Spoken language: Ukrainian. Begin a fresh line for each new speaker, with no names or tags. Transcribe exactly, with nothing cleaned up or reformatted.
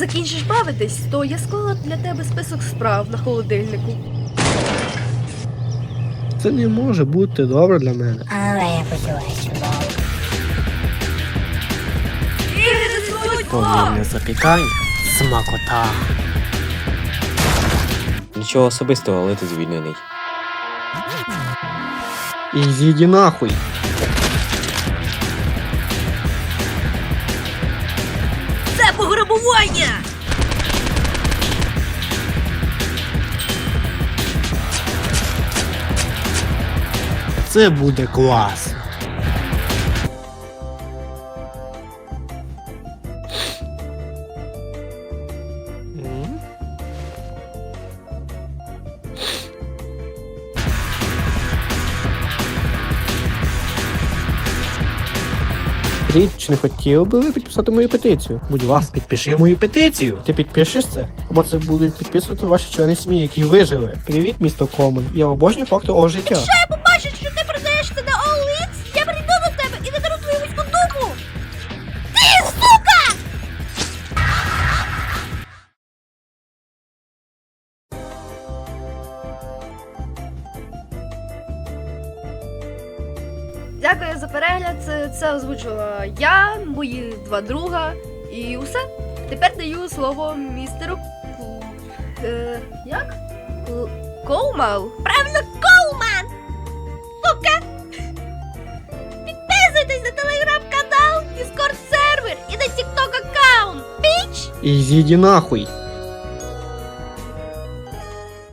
закінчиш бавитись, то я склала для тебе список справ на холодильнику.
Це не може бути добре для мене.
Але я почуваюся чудово.
Повільне запікання. Смакота.
Нічого особистого, але ти звільнений.
І зійди нахуй.
Це пограбування!
Це буде клас.
Річ, чи не хотів би ви підписати мою петицію? Будь ласка,
Підпиши мою петицію.
ти підпишеш це? Або це будуть підписувати ваші члени сім'ї, які вижили. Привіт, місто Комен. Я обожнюю факти того життя.
Я побачу, що ти продаєшся на All Ins, я прийду до тебе і надару твою вузьку дупу! Ти, сука! Дякую за перегляд. Це, це озвучила я, мої два друга і усе. Тепер даю слово містеру Ку... Е, як? Ку... Коумал? Правильно, Коуман! Сука! Підписуйтесь на телеграм-канал, Discord сервер і на TikTok аккаунт. Біч!
І зійди нахуй.